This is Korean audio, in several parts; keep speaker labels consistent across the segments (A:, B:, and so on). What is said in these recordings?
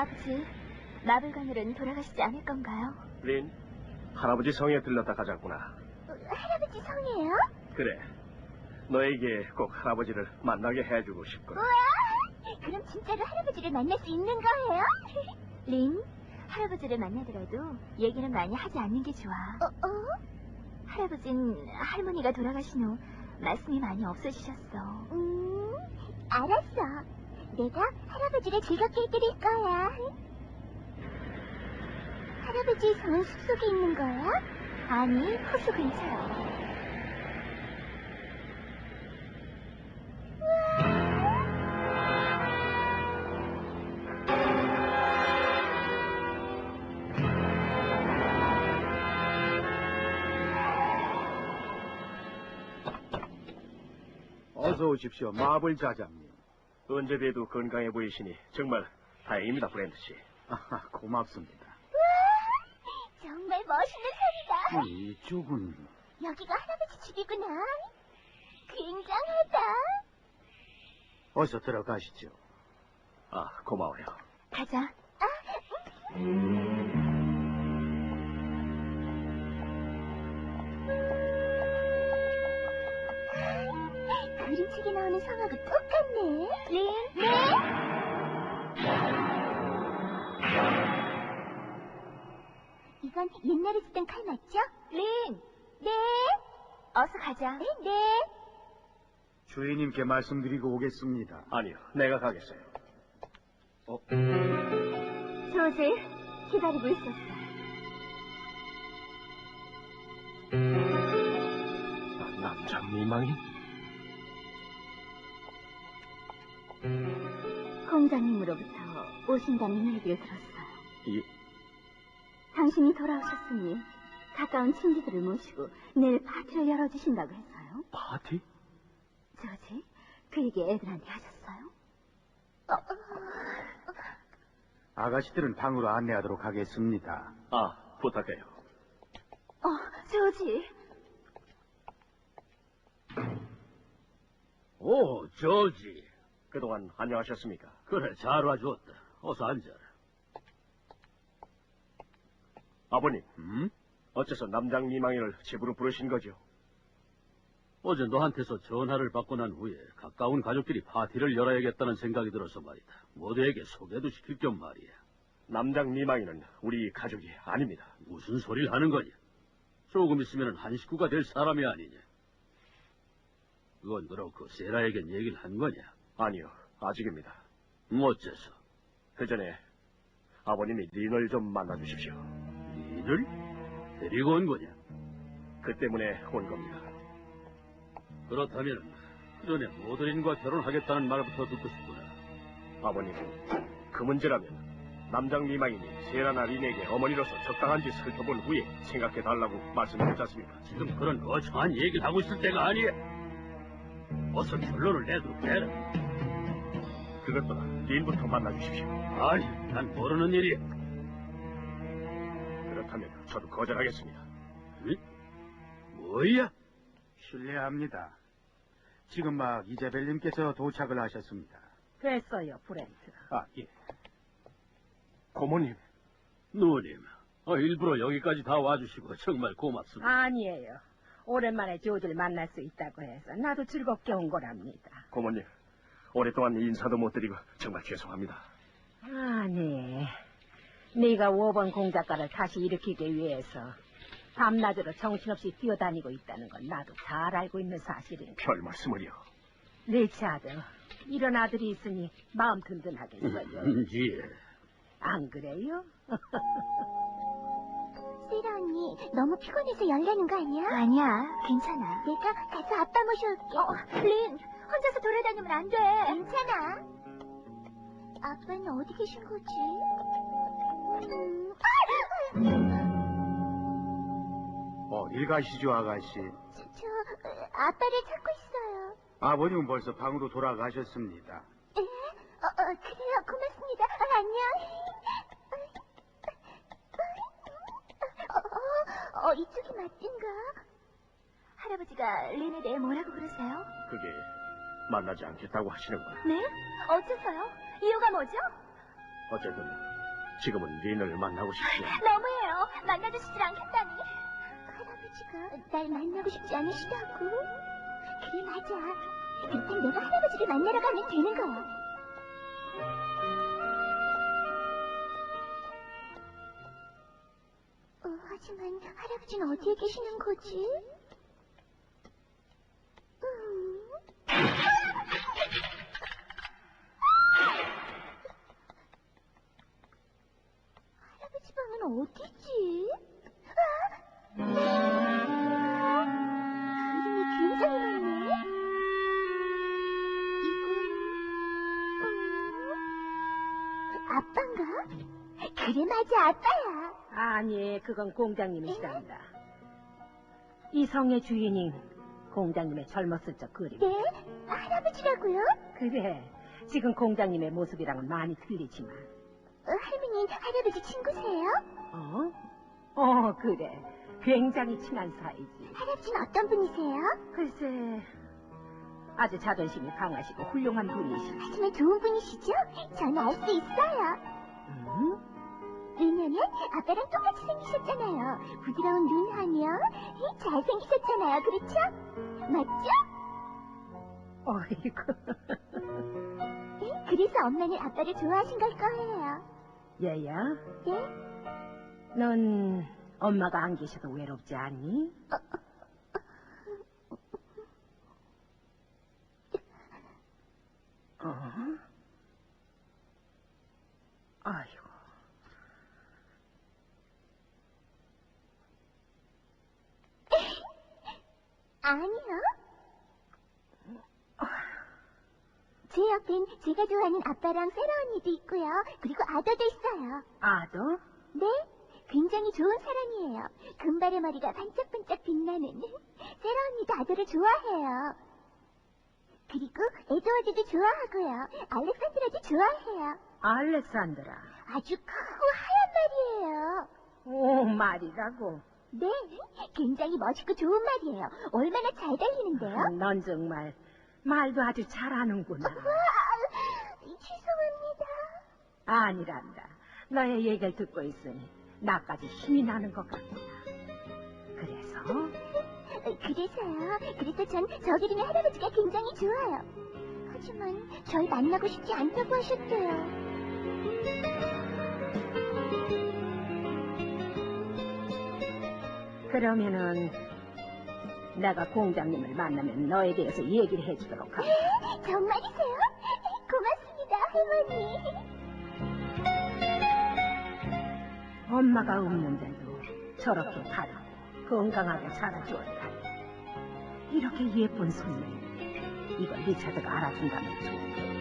A: 아버지, 마블관으로는 돌아가시지 않을 건가요?
B: 린, 할아버지 성에 들렀다 가자꾸나.
A: 할아버지 성이에요?
B: 그래. 너에게 꼭 할아버지를 만나게 해주고 싶거든.
A: 우와! 그럼 진짜로 할아버지를 만날 수 있는 거예요? 린, 할아버지를 만나더라도 얘기는 많이 하지 않는 게 좋아. 할아버진 할머니가 돌아가신 후 말씀이 많이 없어지셨어. 알았어. 내가 할아버지를 즐겁게 해드릴 거야. 할아버지 성은 숲속에 있는 거야? 아니, 호수 근처야.
C: 어서 오십시오, 마블 자장님.
B: 언제 봬도 건강해 보이시니 정말 다행입니다, 브랜드 씨.
C: 아하, 고맙습니다.
A: 정말 멋있는 소리다.
C: 이쪽은...
A: 여기가 할아버지 집이구나. 굉장하다.
C: 어서 들어가시죠.
B: 아, 고마워요.
A: 가자. 그림책에 나오는 성하고 똑같네. 린, 네? 이건 옛날에 쓰던 칼 맞죠? 린, 네? 어서 가자. 네, 네.
C: 주인님께 말씀드리고 오겠습니다.
B: 아니요, 내가 가겠어요.
A: 조지, 기다리고 있었어.
B: 남자 미망인?
A: 공장님으로부터 오신다는 얘기를 들었어요. 당신이 돌아오셨으니 가까운 친지들을 모시고 내일 파티를 열어주신다고 했어요.
B: 파티?
A: 조지, 그 얘기 애들한테 하셨어요?
C: 아가씨들은 방으로 안내하도록 하겠습니다.
B: 아, 부탁해요.
A: 조지.
D: 오, 조지.
B: 그동안 안녕하셨습니까?
D: 그래, 잘 와주었다. 어서 앉아라.
B: 아버님, 어째서 남장 미망인을 집으로 부르신 거죠?
D: 어제 너한테서 전화를 받고 난 후에 가까운 가족끼리 파티를 열어야겠다는 생각이 들어서 말이다. 모두에게 소개도 시킬 겸 말이야.
B: 남장 미망인은 우리 가족이 아닙니다.
D: 무슨 소리를 하는 거냐? 조금 있으면 한 식구가 될 사람이 아니냐? 그건 그렇고 세라에겐 얘기를 한 거냐?
B: 아니요, 아직입니다.
D: 어째서?
B: 그 전에 아버님이 린을 좀 만나주십시오.
D: 린을? 데리고 온 거냐?
B: 그 때문에 온 겁니다.
D: 그렇다면 그 전에 모드린과 결혼하겠다는 말부터 듣고 싶구나.
B: 아버님, 그 문제라면 남장 미망인이 세라나 린에게 어머니로서 적당한지 살펴본 후에 생각해달라고 말씀드렸지 않습니까?
D: 지금 그런 거창한 얘기를 하고 있을 때가 아니야. 어서 결론을 내도록 해라.
B: 그것보다 린부터 만나주십시오.
D: 아니, 난 모르는 일이야.
B: 그렇다면 저도 거절하겠습니다.
D: 응? 뭐야?
C: 실례합니다. 지금 막 이자벨님께서 도착을 하셨습니다.
E: 됐어요, 브렌트.
C: 아, 예.
B: 고모님.
D: 누님, 일부러 여기까지 다 와주시고 정말 고맙습니다.
E: 아니에요. 오랜만에 조지를 만날 수 있다고 해서 나도 즐겁게 온 거랍니다.
B: 고모님, 오랫동안 인사도 못 드리고 정말 죄송합니다.
E: 아니, 네가 5번 공작가를 다시 일으키기 위해서 밤낮으로 정신없이 뛰어다니고 있다는 건 나도 잘 알고 있는 사실이니까.
B: 별 말씀을요.
E: 리차드, 이런 아들이 있으니 마음 든든하겠어요.
D: 예.
E: 안 그래요?
A: 세라 언니, 너무 피곤해서 열나는 거 아니야? 아니야, 괜찮아. 내가 가서 아빠 모셔올게. 린, 혼자서 돌아다니면 안 돼. 괜찮아. 아빠는 어디 계신 거지?
C: 어딜 가시죠, 아가씨?
A: 저 아빠를 찾고 있어요.
C: 아버님은 벌써 방으로 돌아가셨습니다.
A: 에? 그래요. 고맙습니다. 안녕. 이쪽이 맞든가? 할아버지가 린에 대해 뭐라고 그러세요?
B: 그게 만나지 않겠다고 하시는 거예요.
A: 네? 어째서요? 이유가 뭐죠?
B: 어쨌든 지금은 린을 만나고 싶지 않아.
A: 너무해요. 만나주시질 않겠다니. 할아버지가 날 만나고 싶지 않으시다고? 그래, 맞아. 그렇다면 내가 할아버지를 만나러 가면 되는 거야. 하지만 할아버지는 어디에 계시는 거지? 할아버지 방은 어디지? 그림이 굉장히 많네. 이건 아빠인가? 그래, 맞아, 아빠야.
E: 아니, 그건 공장님이시랍니다. 이 성의 주인인 공장님의 젊었을 적 그림.
A: 네? 할아버지라고요?
E: 그래, 지금 공장님의 모습이랑은 많이 틀리지만.
A: 할머니는 할아버지 친구세요?
E: 그래. 굉장히 친한 사이지.
A: 할아버지는 어떤 분이세요?
E: 글쎄, 아주 자존심이 강하시고 훌륭한 분이시지.
A: 하지만 좋은 분이시죠? 저는 알 수 있어요. 왜냐면 아빠랑 똑같이 생기셨잖아요. 부드러운 눈하며 잘생기셨잖아요. 그렇죠? 맞죠?
E: 어이구.
A: 그래서 엄마는 아빠를 좋아하신 걸 거예요.
E: 얘야,
A: 네?
E: 넌 엄마가 안 계셔도 외롭지 않니? 아이고.
A: 아니요. 제 옆엔 제가 좋아하는 아빠랑 세라 언니도 있고요. 그리고 아더도 있어요.
E: 아도?
A: 네? 굉장히 좋은 사람이에요. 금발의 머리가 반짝반짝 빛나는. 세라 언니도 아더를 좋아해요. 그리고 에드워드도 좋아하고요. 알렉산드라도 좋아해요.
E: 알렉산드라.
A: 아주 크고 하얀 말이에요.
E: 오, 말이라고.
A: 네, 굉장히 멋있고 좋은 말이에요. 얼마나 잘 달리는데요?
E: 넌 정말 말도 아주 잘하는구나.
A: 죄송합니다.
E: 아니란다. 너의 얘기를 듣고 있으니 나까지 힘이 나는 것 같구나. 그래서요?
A: 그래서 전 저기 있는 할아버지가 굉장히 좋아요. 하지만 절 만나고 싶지 않다고 하셨대요.
E: 그러면은 내가 공장님을 만나면 너에 대해서 얘기를 해주도록 하겠다.
A: 정말이세요? 고맙습니다, 할머니.
E: 엄마가 없는데도 저렇게 바르고 건강하게 자라주었다. 이렇게 예쁜 손님, 이걸 리차드가 알아준다면 좋겠다.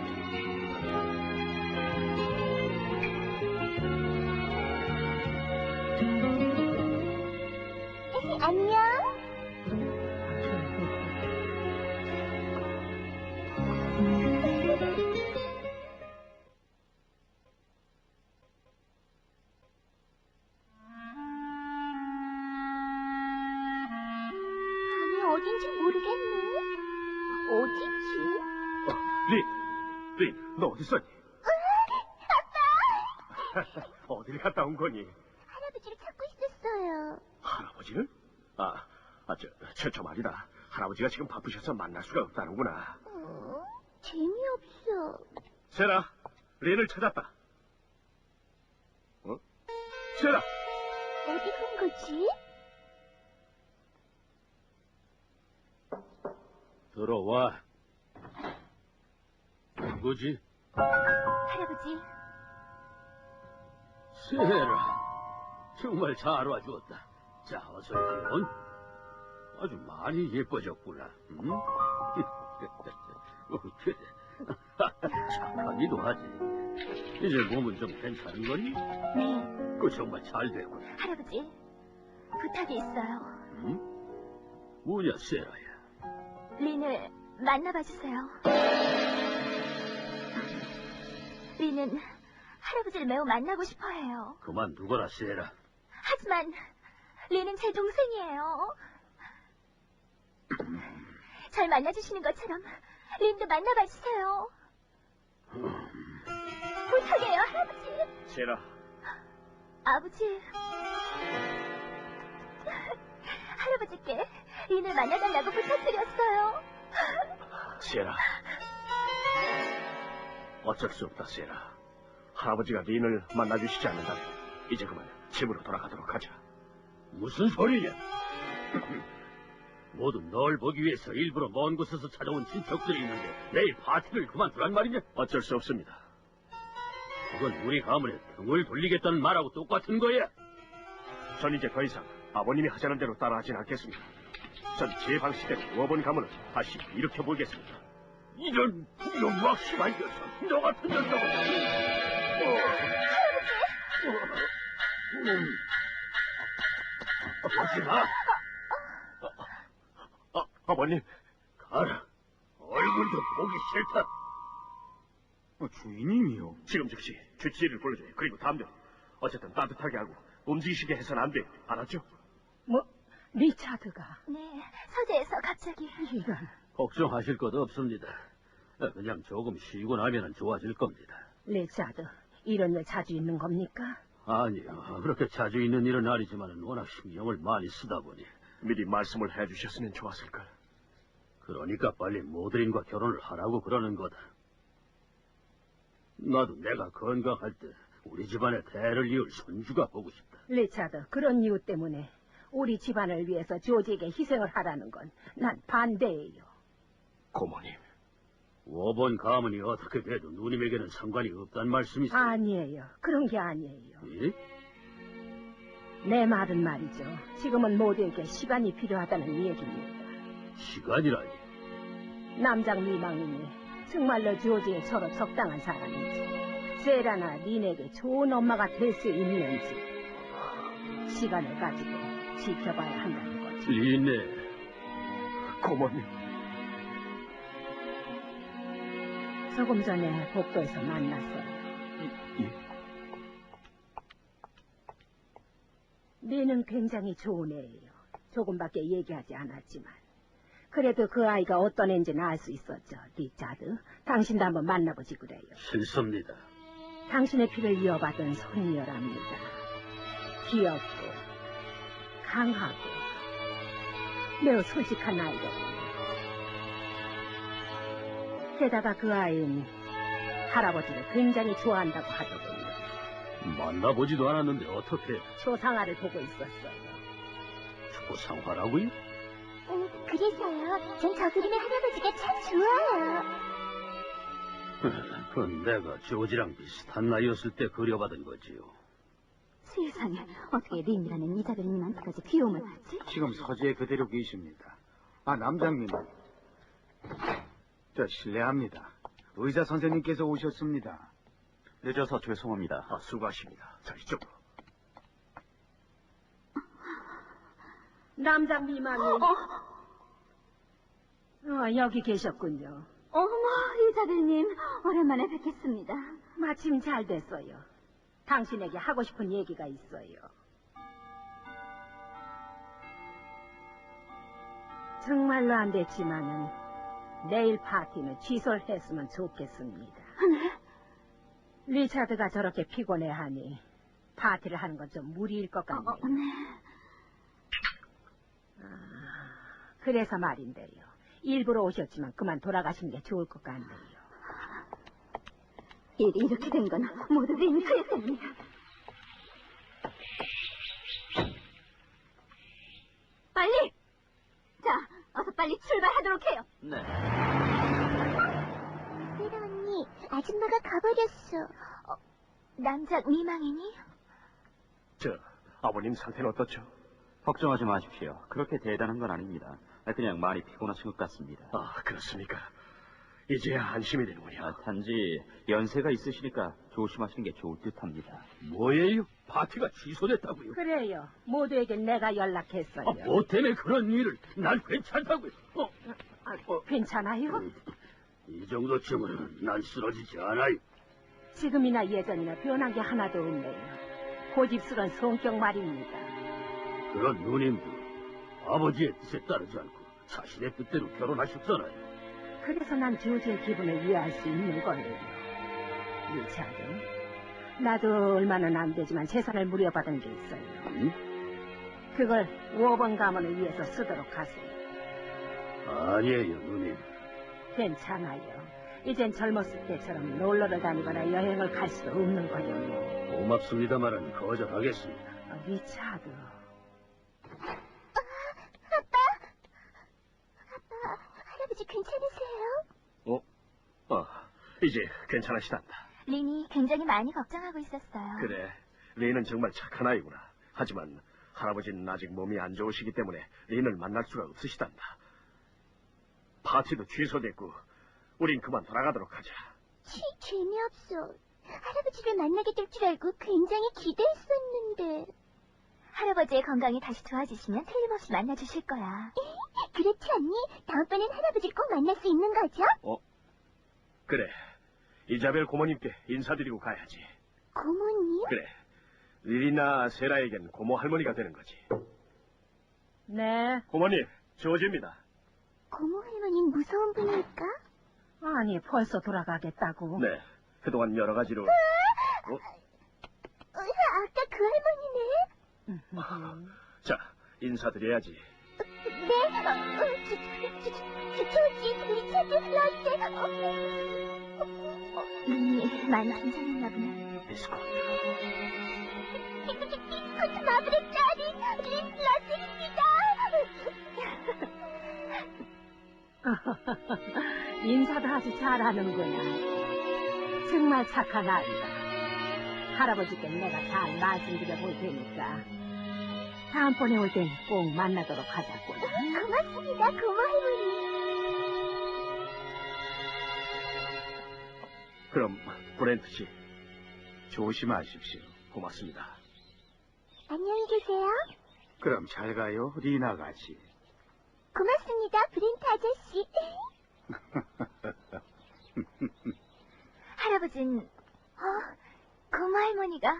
A: 안녕. 아니, 어딘지 모르겠네. 어디지?
B: 린, 너 어디 있었니?
A: 아빠!
B: 어딜 갔다 온 거니?
A: 할아버지를 찾고 있었어요.
B: 할아버지를? 저 말이다. 할아버지가 지금 바쁘셔서 만날 수가 없다는구나.
A: 재미없어.
B: 세라, 린을 찾았다. 세라!
A: 어디 간 거지?
D: 들어와. 누구지?
A: 할아버지.
D: 세라. 정말 잘 와주었다. 자, 어서 이리온. 아주 많이 예뻐졌구나. 응? 그래. 착하기도 하지. 이제 몸은 좀 괜찮은 거니?
A: 네,
D: 그 정말 잘 됐구나.
A: 할아버지. 부탁이 있어요.
D: 응? 뭐냐, 세라야.
A: 린을 만나봐 주세요. 린은 할아버지를 매우 만나고 싶어 해요.
D: 그만두거라, 세라.
A: 하지만 린은 제 동생이에요. 절 만나주시는 것처럼 린도 만나봐 주세요. 부탁해요, 할아버지.
B: 세라,
A: 아버지. 할아버지께 린을 만나달라고 부탁드렸어요.
B: 세라. 어쩔 수 없다, 세라. 할아버지가 린을 만나주시지 않는다면 이제 그만 집으로 돌아가도록 하자.
D: 무슨 소리냐? 모두 널 보기 위해서 일부러 먼 곳에서 찾아온 친척들이 있는데 내일 파티를 그만두란 말이냐?
B: 어쩔 수 없습니다.
D: 그건 우리 가문에 등을 돌리겠다는 말하고 똑같은 거야.
B: 전 이제 더 이상 아버님이 하자는 대로 따라하진 않겠습니다. 전 제 방식대로 워번 가문을 다시 일으켜보겠습니다.
D: 이런 막심한 녀석, 너 같은 녀석은. 하지 마.
B: 아버님.
D: 가라. 얼굴도 보기 싫다.
C: 주인님이요.
B: 지금 즉시 주치의를 불러줘요. 그리고 담배. 어쨌든 따뜻하게 하고 움직이시게 해서는 안 돼요. 알았죠?
E: 뭐, 리차드가.
A: 네, 서재에서 갑자기.
E: 이런.
D: 걱정하실 것 없습니다. 그냥 조금 쉬고 나면 좋아질 겁니다.
E: 리차드, 이런 일 자주 있는 겁니까?
D: 아니요. 그렇게 자주 있는 일은 아니지만 워낙 신경을 많이 쓰다 보니.
B: 미리 말씀을 해주셨으면 좋았을걸.
D: 그러니까 빨리 모드린과 결혼을 하라고 그러는 거다. 나도 내가 건강할 때 우리 집안의 대를 이을 손주가 보고 싶다.
E: 리차드, 그런 이유 때문에 우리 집안을 위해서 조지에게 희생을 하라는 건 난 반대예요.
B: 고모님.
D: 워번 가문이 어떻게 돼도 누님에게는 상관이 없단 말씀이세요?
E: 아니에요. 그런 게 아니에요.
D: 예?
E: 내 말은 말이죠. 지금은 모두에게 시간이 필요하다는 얘기입니다.
D: 시간이라니.
E: 남장 미망인이 정말로 조지에 저로 적당한 사람인지, 세라나 린에게 좋은 엄마가 될 수 있는지 시간을 가지고 지켜봐야 한다는 거죠.
D: 리네.
B: 고모님.
E: 조금 전에 복도에서 만났어요.
B: 예?
E: 린은 굉장히 좋은 애예요. 조금밖에 얘기하지 않았지만. 그래도 그 아이가 어떤 애인지는 알 수 있었죠. 리차드, 당신도 한번 만나보지 그래요.
D: 싫습니다.
E: 당신의 피를 이어받은 손녀랍니다. 귀엽고 강하고 매우 솔직한 아이거든요. 게다가 그 아이는 할아버지를 굉장히 좋아한다고 하더군요.
D: 만나보지도 않았는데 어떻게
E: 초상화를 보고 있었어요.
D: 초상화라고요?
A: 그래서요. 전 저 그림의 할아버지가 참 좋아요.
D: 그건 내가 조지랑 비슷한 나이였을 때 그려받은 거지요.
A: 세상에, 어떻게 린이라는 이자벨님한테까지 귀여움을 받지?
C: 지금 서재에 그대로 계십니다. 남장님. 실례합니다. 의사 선생님께서 오셨습니다.
F: 늦어서 죄송합니다.
B: 수고하십니다. 자, 이쪽으로.
E: 남장 미망이. 여기 계셨군요.
A: 어머, 이자벨님, 오랜만에 뵙겠습니다.
E: 마침 잘 됐어요. 당신에게 하고 싶은 얘기가 있어요. 정말로 안 됐지만은 내일 파티는 취소를 했으면 좋겠습니다.
A: 네?
E: 리차드가 저렇게 피곤해하니 파티를 하는 건 좀 무리일 것 같네요.
A: 네.
E: 그래서 말인데요. 일부러 오셨지만 그만 돌아가시는 게 좋을 것 같네요.
A: 일이 이렇게 된 건 모두 린 그의 때문이야. 빨리! 자, 어서 빨리 출발하도록 해요.
F: 네.
A: 세라 언니, 아줌마가 가버렸어. 남자 미망이니?
B: 아버님 상태는 어떻죠?
F: 걱정하지 마십시오. 그렇게 대단한 건 아닙니다. 그냥 많이 피곤하신 것 같습니다.
B: 그렇습니까? 이제야 안심이 되는군요.
F: 단지 연세가 있으시니까 조심하시는 게 좋을 듯합니다.
D: 뭐예요? 파티가 취소됐다고요?
E: 그래요. 모두에게 내가 연락했어요.
D: 뭐 때문에 그런 일을? 난 괜찮다고요.
E: 괜찮아요?
D: 이 정도쯤은 난 쓰러지지 않아요.
E: 지금이나 예전이나 변한 게 하나도 없네요. 고집스러운 성격 말입니다.
D: 그런 누님도 아버지의 뜻에 따르지 않고 자신의 뜻대로 결혼하셨잖아요.
E: 그래서 난 조지의 기분을 이해할 수 있는 거예요. 리차드, 나도 얼마는 안 되지만 재산을 물려받은 게 있어요.
D: 응?
E: 그걸 5번 가문을 위해서 쓰도록 하세요.
D: 아니에요, 누님.
E: 괜찮아요. 이젠 젊었을 때처럼 놀러를 다니거나 여행을 갈 수도 없는 거요.
D: 고맙습니다만은 거절하겠습니다.
E: 리차드.
A: 아빠, 할아버지 괜찮으세요?
B: 이제 괜찮으시단다.
A: 린이 굉장히 많이 걱정하고 있었어요.
B: 그래, 린은 정말 착한 아이구나. 하지만 할아버지는 아직 몸이 안 좋으시기 때문에 린을 만날 수가 없으시단다. 파티도 취소됐고 우린 그만 돌아가도록 하자.
A: 재미없어. 할아버지를 만나게 될 줄 알고 굉장히 기대했었는데. 할아버지의 건강이 다시 좋아지시면 틀림없이 만나주실 거야. 그렇지 않니? 다음번엔 할아버지를 꼭 만날 수 있는 거죠?
B: 그래, 이자벨 고모님께 인사드리고 가야지.
A: 고모님?
B: 그래, 릴이나 세라에겐 고모 할머니가 되는 거지.
E: 네.
B: 고모님, 조지입니다.
A: 고모 할머니는 무서운 분일까?
E: 아니, 벌써 돌아가겠다고.
B: 네, 그동안 여러 가지로...
A: 아까 그 할머니네?
B: 자, 인사드려야지.
A: 네? 조지, 리차드, 러셀... 린이 많이 괜찮았나 보네.
B: 비스코트.
A: 비스코트 마블의 딸이 린 러셀입니다.
E: 인사도 아주 잘하는구나. 정말 착한 아이다. 할아버지께 내가 잘 말씀드려 볼 테니까 다음번에 올 땐 꼭 만나도록 하자고.
A: 고맙습니다, 고모 할머니.
B: 그럼 브렌트 씨,
C: 조심하십시오.
B: 고맙습니다.
A: 안녕히 계세요.
C: 그럼 잘 가요, 리나 가지.
A: 고맙습니다, 브렌트 아저씨. 할아버진, 고모 할머니가,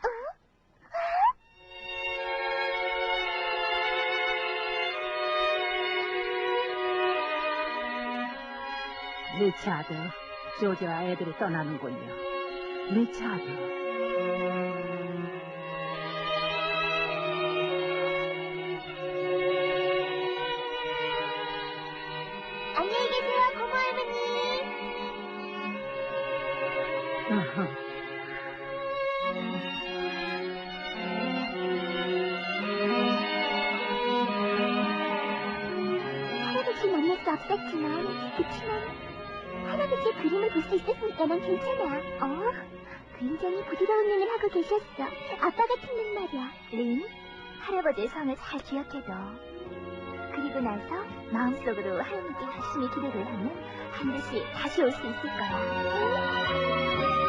E: 리차드, 조지와 애들이 떠나는군요. 리차드.
A: 안녕히 계세요, 고모 할머니. 할아버지 만날 수 그치만 할아버지의 그림을 볼 수 있었으니까 난 괜찮아. 굉장히 부드러운 눈을 하고 계셨어. 아빠 같은 눈 말이야. 린, 할아버지의 성을 잘 기억해둬. 그리고 나서 마음속으로 하나님께 열심히 기도를 하면 반드시 다시 올 수 있을 거야. 응?